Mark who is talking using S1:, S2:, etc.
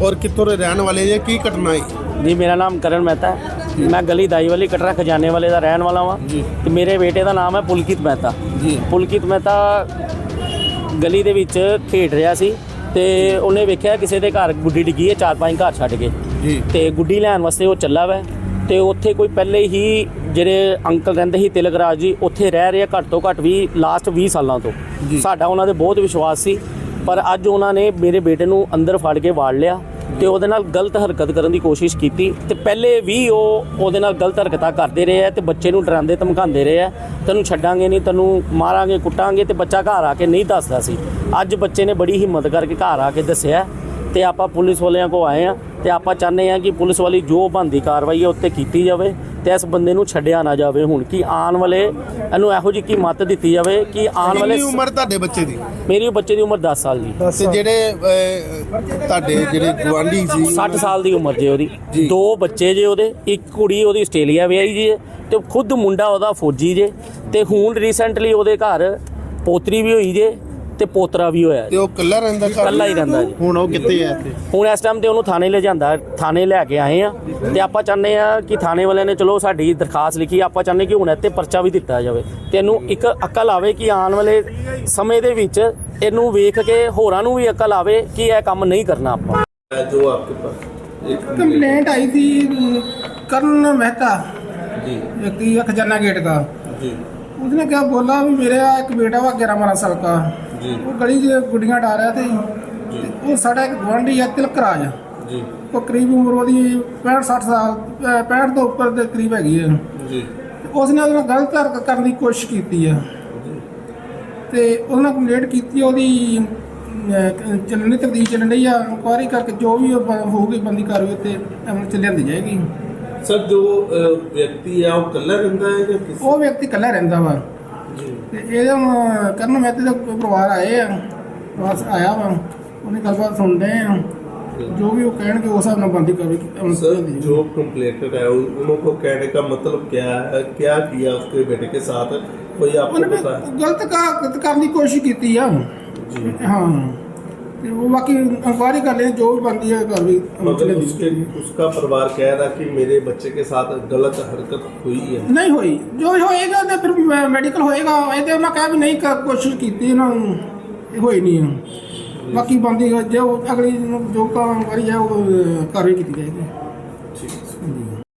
S1: और कितों के रहने वाले जे की घटना है?
S2: जी मेरा नाम करण मेहता है। मैं गली दाई वाली कटरा खजाने वाले का रहने वाला हाँ। तो मेरे बेटे का नाम है पुलकित मेहता। पुलकित मेहता गली ਦੇ ਵਿੱਚ ਖੇਡ ਰਿਹਾ ਸੀ ਤੇ ਉਹਨੇ ਵੇਖਿਆ ਕਿਸੇ ਦੇ ਘਰ ਗੁੱਡੀ ਡਿੱਗੀ ਹੈ 4-5 ਘਰ ਛੱਡ ਕੇ ਤੇ ਗੁੱਡੀ ਲੈਣ ਵਾਸਤੇ ਉਹ ਚੱਲਾ ਵਾ ਤੇ ਉੱਥੇ ਕੋਈ ਪਹਿਲੇ ਹੀ ਜਿਹੜੇ ਅੰਕਲ ਰਹਿੰਦੇ ਸੀ ਤਿਲਕ ਰਾਜ ਜੀ ਉੱਥੇ ਰਹਿ ਰਹੇ ਘੱਟ ਤੋਂ ਘੱਟ ਵੀ ਲਾਸਟ 20 ਸਾਲਾਂ ਤੋਂ। ਸਾਡਾ ਉਹਨਾਂ ਦੇ ਬਹੁਤ ਵਿਸ਼ਵਾਸ ਸੀ ਪਰ ਅੱਜ ਉਹਨਾਂ ਨੇ ਮੇਰੇ ਬੇਟੇ ਨੂੰ ਅੰਦਰ ਫੜ ਕੇ ਵਾੜ ਲਿਆ ਤੇ ਉਹਦੇ ਨਾਲ ਗਲਤ ਹਰਕਤ ਕਰਨ ਦੀ ਕੋਸ਼ਿਸ਼ ਕੀਤੀ ਤੇ ਪਹਿਲੇ ਵੀ ਉਹਦੇ ਨਾਲ ਗਲਤ ਹਰਕਤਾਂ ਕਰਦੇ ਰਹੇ ਆ ਤੇ ਬੱਚੇ ਨੂੰ ਡਰਾਉਂਦੇ ਧਮਕਾਉਂਦੇ ਰਹੇ ਆ, ਤੈਨੂੰ ਛੱਡਾਂਗੇ ਨਹੀਂ, ਤੈਨੂੰ ਮਾਰਾਂਗੇ ਕੁੱਟਾਂਗੇ। ਤੇ ਬੱਚਾ ਘਰ ਆ ਕੇ ਨਹੀਂ ਦੱਸਦਾ ਸੀ। ਅੱਜ ਬੱਚੇ ਨੇ ਬੜੀ ਹਿੰਮਤ ਕਰਕੇ ਘਰ ਆ ਕੇ ਦੱਸਿਆ ਤੇ ਆਪਾਂ ਪੁਲਿਸ ਵਾਲਿਆਂ ਕੋ ਆਏ ਆ ਤੇ ਆਪਾਂ ਚਾਹੁੰਦੇ ਆ ਕਿ ਪੁਲਿਸ ਵਾਲੀ ਜੋ ਬਣਦੀ ਕਾਰਵਾਈ ਹੈ ਉੱਤੇ ਕੀਤੀ ਜਾਵੇ ਤੇ ਇਸ ਬੰਦੇ ਨੂੰ ਛੱਡਿਆ ਨਾ ਜਾਵੇ। ਹੁਣ ਕਿ ਆਉਣ ਵਾਲੇ ਇਹਨੂੰ ਇਹੋ ਜਿਹੀ ਕੀ ਮੱਤ ਦਿੱਤੀ ਜਾਵੇ ਕਿ ਆਉਣ ਵਾਲੇ।
S1: ਕਿੰਨੀ ਉਮਰ ਤੁਹਾਡੇ ਬੱਚੇ ਦੀ?
S2: ਮੇਰੀ ਬੱਚੇ ਦੀ ਉਮਰ 10 ਸਾਲ ਜੀ।
S1: ਤੇ ਜਿਹੜੇ ਤੁਹਾਡੇ ਜਿਹੜੇ ਗਵਾਂਢੀ ਸੀ
S2: 60 ਸਾਲ ਦੀ ਉਮਰ ਜੇ ਉਹਦੀ। 2 ਬੱਚੇ ਜੇ ਉਹਦੇ, ਇੱਕ ਕੁੜੀ ਉਹਦੀ ਆਸਟ੍ਰੇਲੀਆ ਵਿਆਹੀ ਜੇ ਤੇ ਖੁਦ ਮੁੰਡਾ ਉਹਦਾ ਫੌਜੀ ਜੇ ਤੇ ਹੁਣ ਰੀਸੈਂਟਲੀ ਉਹਦੇ ਘਰ ਪੋਤਰੀ ਵੀ ਹੋਈ ਜੇ ਤੇ ਪੋਤਰਾ ਵੀ ਹੋਇਆ
S1: ਤੇ ਉਹ ਇਕੱਲਾ ਰਹਿੰਦਾ?
S2: ਇਕੱਲਾ ਹੀ ਰਹਿੰਦਾ ਜੀ।
S1: ਹੁਣ ਉਹ ਕਿੱਥੇ ਹੈ ਇੱਥੇ?
S2: ਹੁਣ ਇਸ ਟਾਈਮ ਤੇ ਉਹਨੂੰ ਥਾਣੇ ਲੈ ਜਾਂਦਾ, ਥਾਣੇ ਲੈ ਕੇ ਆਏ ਆ ਤੇ ਆਪਾਂ ਚਾਹੁੰਦੇ ਆ ਕਿ ਥਾਣੇ ਵਾਲਿਆਂ ਨੇ ਚਲੋ ਸਾਡੀ ਦਰਖਾਸਤ ਲਿਖੀ, ਆਪਾਂ ਚਾਹੁੰਦੇ ਕਿ ਹੁਣ ਇੱਥੇ ਪਰਚਾ ਵੀ ਦਿੱਤਾ ਜਾਵੇ ਤੇ ਇਹਨੂੰ ਇੱਕ ਅਕਲ ਆਵੇ ਕਿ ਆਉਣ ਵਾਲੇ ਸਮੇਂ ਦੇ ਵਿੱਚ ਇਹਨੂੰ ਵੇਖ ਕੇ ਹੋਰਾਂ ਨੂੰ ਵੀ ਅਕਲ ਆਵੇ ਕਿ ਇਹ ਕੰਮ ਨਹੀਂ ਕਰਨਾ ਆਪਾਂ।
S1: जो आपके पास एक
S3: कंप्लेंट आई थी करण मेहता
S1: जी
S3: व्यक्ति खजाना गेट का।
S1: जी
S3: उसने क्या बोला भी मेरा एक बेटा हुआ 11-12 साल का,
S1: जी
S3: वो गली से गुड्डियाँ डाल रहा थे। वो साढ़ा एक गुआढ़ी है तिलक राज,
S1: जी
S3: वो करीब उम्र वो 65-60 साल 65 तो ऊपर के करीब हैगी है।
S1: जी
S3: उसने ਉਹਦੇ ਨਾਲ ਗਲਤ ਹਰਕਤ ਕਰਨ ਦੀ ਕੋਸ਼ਿਸ਼ ਕੀਤੀ ਹੈ ਤੇ ਉਹਨਾਂ ਕੰਪਲੇਂਟ ਕੀਤੀ। ਉਹਦੀ ਚੱਲਣੀ ਤਬਦੀਲ ਚੱਲਣ ਰਹੀ ਆ। ਇਨਕੁਆਇਰੀ ਕਰਕੇ ਜੋ ਵੀ ਹੋਊਗੀ ਬੰਦੀ ਕਾਰਵਾਈ ਉੱਤੇ ਅਮਲ ਚ ਲਿਆਂਦੀ ਜਾਏਗੀ।
S1: सर जो व्यक्ति है वो कल्ला रहता है या किसी?
S3: ਉਹ ਵਿਅਕਤੀ ਇਕੱਲਾ ਰਹਿੰਦਾ ਵਾ
S1: जी
S3: ਤੇ ਇਹਦੇ ਕਰਨ ਮਹਿਤੇ ਦਾ ਪਰਿਵਾਰ ਆਏ ਆ, ਬਸ ਆਇਆ ਵਾ, ਉਹਨੇ ਗੱਲਬਾਤ ਸੁਣਦੇ ਆ, ਜੋ भी वो ਕਹਿਣਗੇ ਉਸ ਹਿਸਾਬ ਨਾਲ ਬੰਦੀ ਕਾਰਵਾਈ
S1: सर जो कंप्लेंटर है उनको कहने का मतलब क्या है, क्या किया उसके बेटे के साथ, कोई आपको पता है?
S3: ਗਲਤ ਕਰਨ ਦੀ ਕੋਸ਼ਿਸ਼ ਕੀਤੀ ਆ
S1: जी
S3: ਹਾਂ ਤੇ ਉਹ ਬਾਕੀ ਇਨਕੁਆਇਰੀ ਕਰ ਲੈ, ਜੋ ਵੀ ਬੰਦੀ ਹੈ ਕਾਰਵਾਈ ਅਮਲ ਚ
S1: मगर
S3: ਲਿਆਂਦੀ
S1: उसका परिवार कह रहा कि मेरे बच्चे के साथ गलत हरकत हुई है।
S3: ਨਹੀਂ ਹੋਈ। ਜੋ ਹੋਏਗਾ ਤੇ ਫਿਰ ਮੈਡੀਕਲ ਹੋਏਗਾ। ਇਹ ਤੇ ਉਹਨਾਂ ਕਹਿ ਵੀ ਨਹੀਂ ਕੋਸ਼ਿਸ਼ ਕੀਤੀ, ਇਹਨਾਂ ਨੂੰ ਹੋਈ ਨਹੀਂ ਆ। ਬਾਕੀ ਬੰਦੀ ਜੋ ਅਗਲੀ ਜੋ ਕਾਰਵਾਈ ਹੈ ਉਹ ਕਾਰਵਾਈ ਕੀਤੀ ਜਾਏਗੀ।